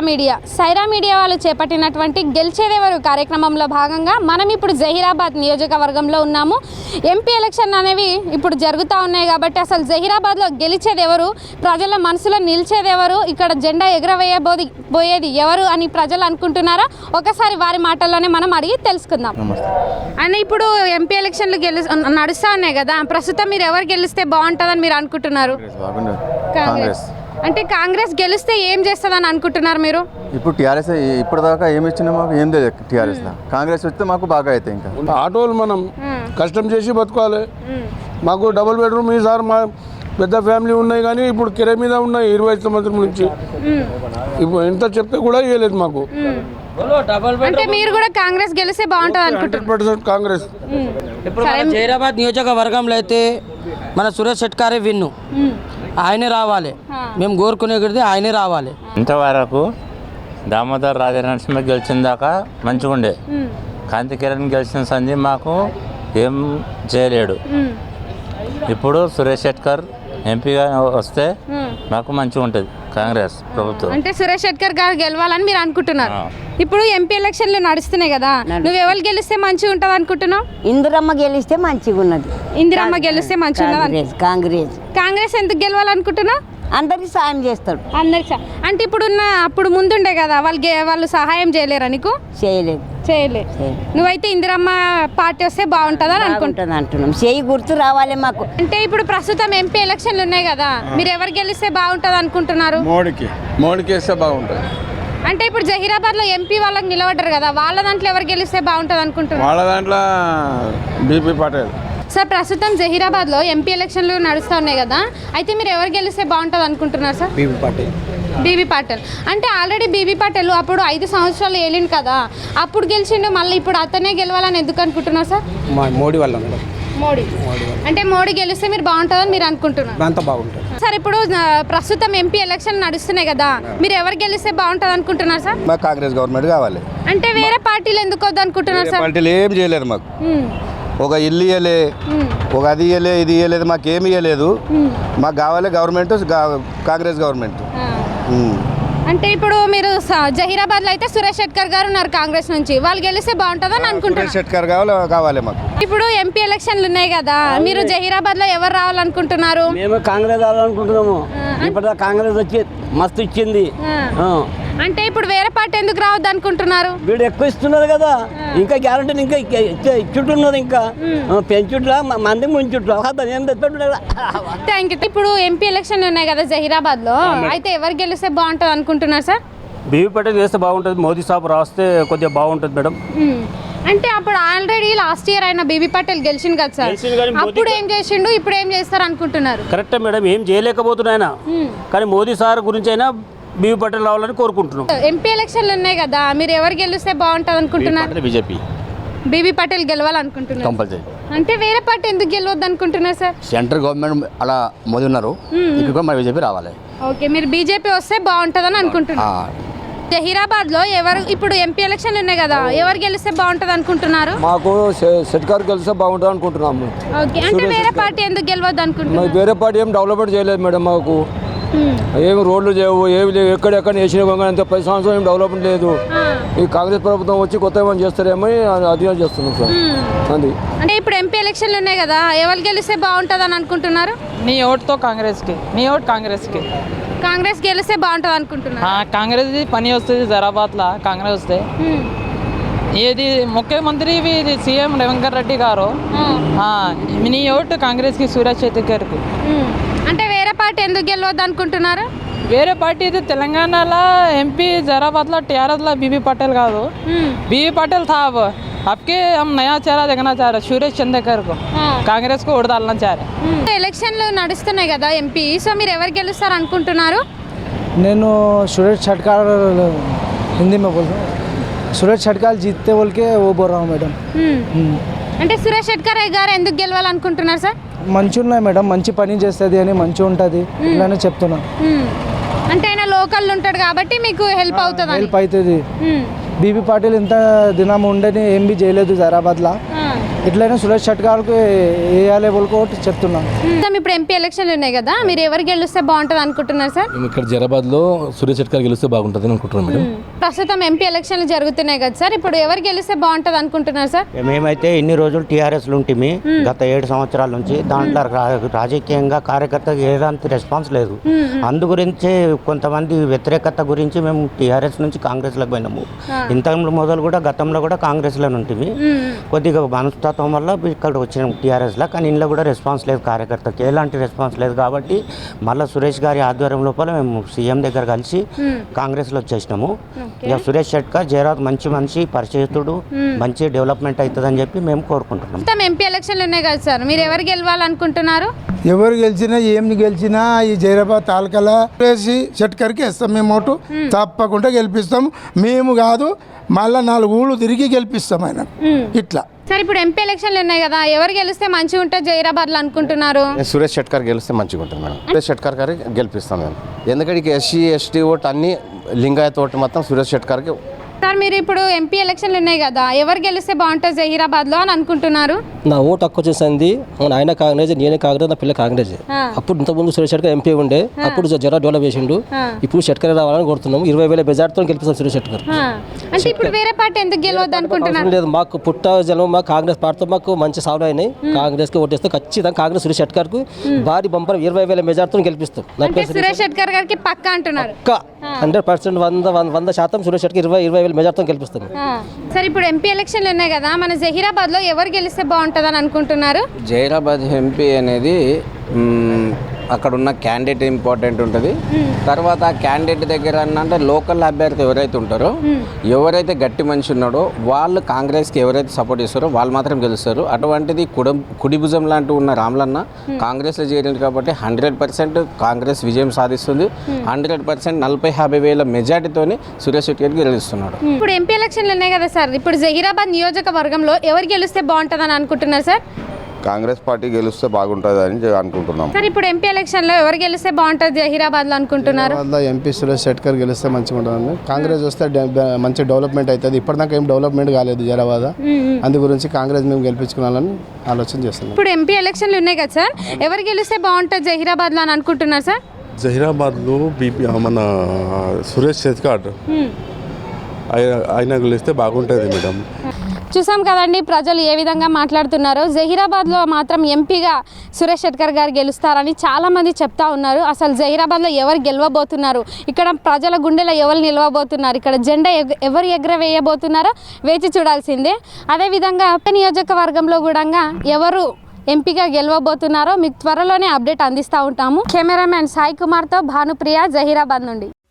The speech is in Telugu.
సైరా మీడియా వాళ్ళు చేపట్టినటువంటి గెలిచేదెవరు కార్యక్రమంలో భాగంగా మనం ఇప్పుడు జహీరాబాద్ నియోజకవర్గంలో ఉన్నాము. ఎంపీ ఎలక్షన్ అనేవి ఇప్పుడు జరుగుతూ ఉన్నాయి కాబట్టి అసలు జహీరాబాద్లో గెలిచేదెవరు, ప్రజల మనసులో నిలిచేదెవరు, ఇక్కడ జెండా ఎగరవేయబోయేది ఎవరు అని ప్రజలు అనుకుంటున్నారా? ఒకసారి వారి మాటల్లోనే మనం అడిగి తెలుసుకుందాం. అని ఇప్పుడు ఎంపీ ఎలక్షన్లు నడుస్తూ ఉన్నాయి కదా, ప్రస్తుతం మీరు ఎవరు గెలిస్తే బాగుంటుందని మీరు అనుకుంటున్నారు? కాంగ్రెస్. అంటే కాంగ్రెస్ గెలిస్తే ఏం చేస్తుందని అనుకుంటున్నారు మీరు? ఇప్పుడు టీఆర్ఎస్ ఇప్పటిదాకా ఏమి ఇచ్చినా మాకు ఏం తెలియదు. టీఆర్ఎస్ కాంగ్రెస్ వస్తే మాకు బాగా అయితే ఇంకా ఆటోలు మనం కష్టం చేసి బతకాలి. మాకు డబుల్ బెడ్రూమ్ ఈసారి మా పెద్ద ఫ్యామిలీ ఉన్నాయి కానీ ఇప్పుడు కిరాయి మీద ఉన్నాయి 20 సంవత్సరం నుంచి. ఇప్పుడు ఎంత చెప్తే కూడా ఇవ్వలేదు మాకు. అంటే మీరు కూడా కాంగ్రెస్ గెలిస్తే బాగుంటుంది అనుకుంటున్నారు? 100% కాంగ్రెస్. ఇప్పుడు మన జహీరాబాద్ నియోజకవర్గంలో అయితే మన సురేష్ షెట్కారే విన్ను, ఆయనే రావాలి. మేము కోరుకునేది ఆయనే రావాలి. ఇంతవరకు దామోదర్ రాజనరసింహ గెలిచిన దాకా మంచిగా ఉండే, కాంతి కిరణ్ గెలిచిన సంధి మాకు ఏం చేయలేడు. ఇప్పుడు సురేష్ షెట్కర్ ఎంపీగా వస్తే మాకు మంచిగా ఉంటుంది కాంగ్రెస్ ప్రభుత్వం. అంటే సురేష్ షెట్కర్ గారు గెలవాలని మీరు అనుకుంటున్నారు? ఇప్పుడు ఎంపీ ఎలక్షన్లు నడుస్తున్నాయి కదా, నువ్వు ఎవరు గెలిస్తే మంచిగా ఉంటుంది అనుకుంటున్నావు? ఇందిరమ్మ గెలిస్తే మంచిగా ఉన్నది. ఇందిరమ్మ గెలిస్తే మంచిగా ఉన్నది. కాంగ్రెస్ ఎందుకు గెలవాలనుకుంటున్నావు? అందరికి సాయం చేస్తాడు. అందరికి అంటే అప్పుడు ముందుండే కదా, వాళ్ళు సహాయం చేయలేరా నీకు? చేయలేదు. నువ్వైతే ఇందిరమ్మ పార్టీ వస్తే బాగుంటుందని అంటున్నాం. చేయి గుర్తు రావాలి మాకు. అంటే ఇప్పుడు ప్రస్తుతం ఎంపీ ఎలక్షన్లు ఉన్నాయి కదా, మీరు ఎవరు గెలిస్తే బాగుంటుంది అనుకుంటున్నారు? మోడీకి వేస్తే బాగుంటుంది. అంటే ఇప్పుడు జహీరాబాద్లో ఎంపీ వాళ్ళకి నిలబడ్డారు కదా, వాళ్ళ దాంట్లో ఎవరు గెలిస్తే బాగుంటుంది అనుకుంటున్నారు? వాళ్ళ దాంట్లో బీపీ పటేల్. సార్, ప్రస్తుతం జహీరాబాద్లో ఎంపీ ఎలక్షన్లు నడుస్తూ ఉన్నాయి కదా, అయితే మీరు ఎవరు గెలిస్తే బాగుంటుంది అనుకుంటున్నారు సార్? బీబీ పాటిల్. అంటే ఆల్రెడీ బీబీ పాటిల్ అప్పుడు 5 సంవత్సరాలు ఏలిండు కదా, అప్పుడు గెలిచిండు, మళ్ళీ ఇప్పుడు అతనే గెలవాలని ఎందుకు అనుకుంటున్నారు సార్? మోడీ వల్ల. అంటే మోడీ గెలిస్తే మీరు బాగుంటుందని మీరు అనుకుంటున్నారు? అంత బాగుంటుంది సార్. ఇప్పుడు ప్రస్తుతం ఎంపీ ఎలక్షన్ నడుస్తున్నాయి కదా, మీరు ఎవరు గెలిస్తే బాగుంటుంది అనుకుంటున్నారు సార్? మాకు కాంగ్రెస్ గవర్నమెంట్ కావాలి. అంటే వేరే పార్టీలు ఎందుకు వద్దు అనుకుంటున్నారు సార్? పార్టీలు ఏం చేయలేదు మాకు. ఒక ఇల్లు ఇవ్వలే, ఒక అది ఇవ్వలే, ఇది ఇవ్వలేదు, మాకు ఏమి ఇవ్వలేదు. మాకు కావాలి గవర్నమెంట్, కాంగ్రెస్ గవర్నమెంట్. అంటే ఇప్పుడు మీరు జహీరాబాద్లో అయితే సురేష్ షెట్కర్ గారు ఉన్నారు కాంగ్రెస్ నుంచి, వాళ్ళు గెలిస్తే బాగుంటుందని అనుకుంటున్నారు? సురేష్ షెట్కర్ కావాలి మాకు. ఇప్పుడు ఎంపీ ఎలక్షన్లు ఉన్నాయి కదా, మీరు జహీరాబాద్లో ఎవరు రావాలనుకుంటున్నారు? మేము కాంగ్రెస్ రావాలనుకుంటున్నాము. ఇప్పుడు కాంగ్రెస్ వచ్చి మస్తు ఇచ్చింది. అంటే ఇప్పుడు వేరే పార్టీ ఎందుకు రావద్దు అనుకుంటున్నారు? వీడు ఎక్కువ ఇస్తున్నారు కదా, ఇంకా గ్యారంటీ ఇంకా ఇచ్చుంటున్నారు, ఇంకా పెంచుట్లా మంది ముంచుట్లా. Thank you. ఇప్పుడు ఎంపీ ఎలక్షన్లు ఉన్నాయి కదా జహీరాబాద్లో, అయితే ఎవరు గెలిస్తే బాగుంటుంది అనుకుంటున్నారు సార్? బీవీ పటేల్ చేస్తే బాగుంటుంది. మోదీ సాబ్ రాస్తే కొద్దిగా బాగుంటుంది మేడం. అంటే అప్పుడు ఆల్రెడీ లాస్ట్ ఇయర్ ఆయన బీబీ పటేల్ గెలిచిండు కదా సార్, అప్పుడు ఏం చేసిండు, ఇప్పుడు ఏం చేస్తారు అనుకుంటున్నారు? కరెక్టే మేడం, ఏం చేయలేకపోతున్నాయన, కానీ మోదీ సార్ గురించి అయినా బీవీ పటేల్ రావాలని కోరుకుంటున్నాం. ఎంపీ ఎలక్షన్లు ఉన్నాయి కదా, మీరు ఎవరు గెలిస్తే బాగుంటుంది అనుకుంటున్నారు? బీజేపీ. బీబీ పటేల్ గెలవాలనుకుంటున్నారు. అంటే వేరే పార్టీ ఎందుకు గెలవద్దు అనుకుంటున్నారు సార్? సెంట్రల్ గవర్నమెంట్ అలా మోదీ ఉన్నారు, ఇక్కడ మన బీజేపీ రావాలి. ఓకే, మీరు బీజేపీ వస్తే బాగుంటుందని అనుకుంటున్నారు. జహీరాబాద్లో ఎవరు ఇప్పుడు ఎంపీ ఎలక్షన్లు ఉన్నాయి కదా, ఎవరు గెలిస్తే బాగుంటుంది అనుకుంటున్నారు? మాకు షెట్కర్ గెలిస్తే బాగుంటుంది అనుకుంటున్నాము. ఓకే, అంటే వేరే పార్టీ ఎందుకు గెలవద్దు అనుకుంటున్నారు? వేరే పార్టీ ఏం డెవలప్మెంట్ చేయలేదు మేడం. మాకు ఏమి రోడ్లు చేయవు, ఏమి లేవు, ఎక్కడెక్కడ వేసిన అంత 10 సంవత్సరాలు ఏం డెవలప్మెంట్ లేదు. ఈ కాంగ్రెస్ ప్రభుత్వం వచ్చి కొత్త ఏమైనా చేస్తారేమో అధ్యయనం చేస్తున్నాం సార్. అది అంటే ఇప్పుడు ఎంపీ ఎలక్షన్లు ఉన్నాయి కదా, ఎవరు గెలిస్తే బాగుంటుంది అని అనుకుంటున్నారు? నీ ఓటుతో కాంగ్రెస్కి. నీ ఓటు కాంగ్రెస్కి. కాంగ్రెస్ గెలిస్తే బాగుంటుంది అనుకుంటున్నారు? కాంగ్రెస్ పని వస్తుంది జహీరాబాద్లో, కాంగ్రెస్ వస్తే. ఇది ముఖ్యమంత్రి ఇది సీఎం రేవంత్ రెడ్డి గారు. నీ ఓటు కాంగ్రెస్కి, సురేష్ షెట్కర్కి. అంటే వేరే పార్టీ ఎందుకు గెలవద్దు అనుకుంటున్నారు? వేరే పార్టీ ఇది తెలంగాణలో ఎంపీ జహీరాబాద్లో టీఆర్ఎస్లో బీబీ పటేల్ కాదు, బీబీ పटेल था. अब के हम नया चेहरा देखना चाह रहे, सुरेश चंदेकर को, कांग्रेस को वोट डालना चाह रहे. ఎలక్షన్లు నడుస్తున్నాయి కదా ఎంపీ, సో మీరు ఎవరు గెలుస్తారు అనుకుంటున్నారు? నేను సురేష్ షెట్కర్ హిందీ में बोल रहा हूँ. సురేష్ షెట్కర్ जीतते बोल के वो बोल रहा हूँ मैडम. అంటే సురేష్ షెట్కర్ గారు ఎందుకు గెలవాలనుకుంటున్నారు సార్? మంచిగా ఉన్నాయి మేడం, మంచి పని చేస్తుంది అని, మంచిగా ఉంటుంది ఇలానే చెప్తున్నా. అంటే ఆయన లోకల్ ఉంటాడు కాబట్టి మీకు హెల్ప్ అవుతుంది. హెల్ప్ అవుతుంది. బీబీ పాటిల్ ఇంత దినం ఉండని ఏం బి చేయలేదు జహీరాబాద్లో, ఎట్లయినా సురేష్ షట్కార్కి వేయాలి వాళ్ళకి ఒకటి చెప్తున్నాను. ఇప్పుడు ఎంపీ ఎలక్షన్లు ఉన్నాయి కదా, మీరు ఎవరు గెలిస్తే బాగుంటుంది అనుకుంటున్నారు సార్? మేము ఇక్కడ జైరాబాద్లో సురేష్ షెట్కార్ గెలిస్తే బాగుంటుంది అనుకుంటున్నాం మేడం. ప్రస్తుతం ఎంపీ ఎలక్షన్లు జరుగుతున్నాయి కదా సార్, ఇప్పుడు ఎవరు గెలిస్తే బాగుంటుంది అనుకుంటున్నారు సార్? మేమైతే ఇన్ని రోజులు టీఆర్ఎస్లు ఉంటిమి గత 7 సంవత్సరాల నుంచి. దాంట్లో రాజకీయంగా కార్యకర్తకు ఏదాంటి రెస్పాన్స్ లేదు. అందు గురించే కొంతమంది వ్యతిరేకత గురించి మేము టీఆర్ఎస్ నుంచి కాంగ్రెస్లోకి పోయినాము. ఇంత మొదలు కూడా గతంలో కూడా కాంగ్రెస్లో ఉంటిమి. కొద్దిగా మనస్తత్వం వల్ల ఇక్కడ వచ్చినాం టీఆర్ఎస్లో. కానీ ఇంట్లో కూడా రెస్పాన్స్ లేదు, కార్యకర్తకి ఎలాంటి రెస్పాన్స్ లేదు. కాబట్టి మళ్ళీ సురేష్ గారి ఆధ్వర్యం లోపల మేము సీఎం దగ్గర కలిసి కాంగ్రెస్లో వచ్చేసినాము. ఇక సురేష్ షెట్కార్ జయరాబాద్ మంచి మనిషి, పరిచయస్తుడు, మంచి డెవలప్మెంట్ అవుతుందని చెప్పి మేము కోరుకుంటున్నాం. ఎంపీ ఎలక్షన్లు ఉన్నాయి కదా సార్, మీరు ఎవరు గెలవాలనుకుంటున్నారు? ఎవరు గెలిచినా ఏమి గెలిచినా ఈ జైరాబాద్ తాలూకాలో వేసి షెట్కర్కి వేస్తాం మేము ఓటు. తప్పకుండా గెలిపిస్తాం. మేము కాదు, మళ్ళీ 4 ఊళ్ళు తిరిగి గెలిపిస్తాం ఆయన. ఇట్లా సార్ ఇప్పుడు ఎంపీ ఎలక్షన్లు ఉన్నాయి కదా, ఎవరు గెలిస్తే మంచిగా ఉంటుంది జైరాబాద్లో అనుకుంటున్నారు? సురేష్ షెట్కార్ గెలిస్తే మంచిగా ఉంటుంది మేడం. సురేష్ షెట్కార్ గారికి గెలిపిస్తాం మేము. ఎందుకంటే ఎస్సీ ఎస్టీ ఓటు అన్ని లింగాయత్ ఓటు మొత్తం సురేష్ షెట్కార్కి. సార్ మీరు ఇప్పుడు ఎంపీ ఎలక్షన్లు ఉన్నాయి కదా, ఎవరు గెలిస్తే బాగుంటుంది జహీరాబాద్లో అని అనుకుంటున్నారు? నా ఓటు హక్కు వచ్చేసింది, ఆయన కాంగ్రెస్, నేనే కాంగ్రెస్, నా పిల్ల కాంగ్రెస్. అప్పుడు ఇంతకుముందు సురేష్ షెట్కర్ ఎంపీ ఉండే, అప్పుడు జరా డెవలప్ చేసిండు. ఇప్పుడు షెట్కర్ రావాలని కోరుతున్నాము. 20,000 మెజార్టీతో గెలిపిస్తాం సురేష్ షెట్కర్. అంటే ఇప్పుడు వేరే పార్టీ ఎందుకు గెలవద్దు అనుకుంటున్నారు? లేదు, మాకు పుట్ట జనం మా కాంగ్రెస్ పార్టీతో మాకు మంచి సాల్వ్ అయినాయి. కాంగ్రెస్ కి ఓటేస్తే ఖచ్చితంగా కాంగ్రెస్ సురేష్ షెట్కర్ కు భారీ బంపర్ 20,000 మెజార్టీతో గెలిపిస్తాం. సురేష్ షెట్కర్ గారికి పక్కా అంటున్నారు? 100% 100% సురేష్ షెట్కర్ 20,000 మెజార్టీతో గెలిపిస్తాం. సార్ ఇప్పుడు ఎంపీ ఎలక్షన్లు ఉన్నాయి కదా, మన జహీరాబాద్లో ఎవరు గెలిస్తే బాగుంటుంది అని అనుకుంటున్నారు? జైరాబాద్ ఎంపీ అనేది అక్కడ ఉన్న క్యాండిడేట్ ఇంపార్టెంట్ ఉంటుంది. తర్వాత ఆ క్యాండిడేట్ దగ్గర అంటే లోకల్ అభ్యర్థి ఎవరైతే ఉంటారో, ఎవరైతే గట్టి మనిషి ఉన్నాడో వాళ్ళు కాంగ్రెస్కి ఎవరైతే సపోర్ట్ చేస్తారో వాళ్ళు మాత్రం గెలుస్తారు. అటువంటిది కుడి భుజం లాంటి ఉన్న రామ్లన్న కాంగ్రెస్లో చేరింది కాబట్టి 100% కాంగ్రెస్ విజయం సాధిస్తుంది. 100% 40-50,000 మెజార్టీతోని సురేష్ షెట్కర్ గెలుస్తున్నాడు. ఇప్పుడు ఎంపీ ఎలక్షన్లు ఉన్నాయి కదా సార్, ఇప్పుడు జహీరాబాద్ నియోజకవర్గంలో ఎవరు గెలిస్తే బాగుంటుంది అని అనుకుంటున్నారు సార్? కాంగ్రెస్ పార్టీ గెలిస్తే బాగుంటుంది అని అనుకుంటున్నాం. సార్ ఇప్పుడు ఎంపీ ఎలక్షన్లో ఎవరు గెలిస్తే బాగుంటుంది జహీరాబాద్లో అనుకుంటున్నారు? ఎంపీ సురేష్ షెట్కర్ గెలిస్తే మంచిగా ఉంటుంది. కాంగ్రెస్ వస్తే మంచి డెవలప్మెంట్ అవుతుంది. ఇప్పటిదాకా ఏం డెవలప్మెంట్ కాలేదు జైరాబాద్. అందు గురించి కాంగ్రెస్ మేము గెలిపించుకోవాలని ఆలోచన చేస్తున్నాం. ఇప్పుడు ఎంపీ ఎలక్షన్లు ఉన్నాయి కదా సార్, ఎవరు గెలిస్తే బాగుంటుంది జహీరాబాద్లో అని అనుకుంటున్నారు సార్? జహీరాబాద్లో మన సురేష్ షెట్కార్ ఆయన గెలిస్తే బాగుంటుంది మేడం. చూసాం కదండి ప్రజలు ఏ విధంగా మాట్లాడుతున్నారో. జహీరాబాద్లో మాత్రం ఎంపీగా సురేష్ షెట్కర్ గారు గెలుస్తారని చాలామంది చెప్తా ఉన్నారు. అసలు జహీరాబాద్లో ఎవరు గెలవబోతున్నారు, ఇక్కడ ప్రజల గుండెలో ఎవరు నిలవబోతున్నారు, ఇక్కడ జెండా ఎవరు ఎగరవేయబోతున్నారో వేచి చూడాల్సిందే. అదేవిధంగా నియోజకవర్గంలో కూడా ఎవరు ఎంపీగా గెలవబోతున్నారో మీకు త్వరలోనే అప్డేట్ అందిస్తూ ఉంటాము. కెమెరామ్యాన్ సాయి కుమార్తో భానుప్రియ, జహీరాబాద్ నుండి.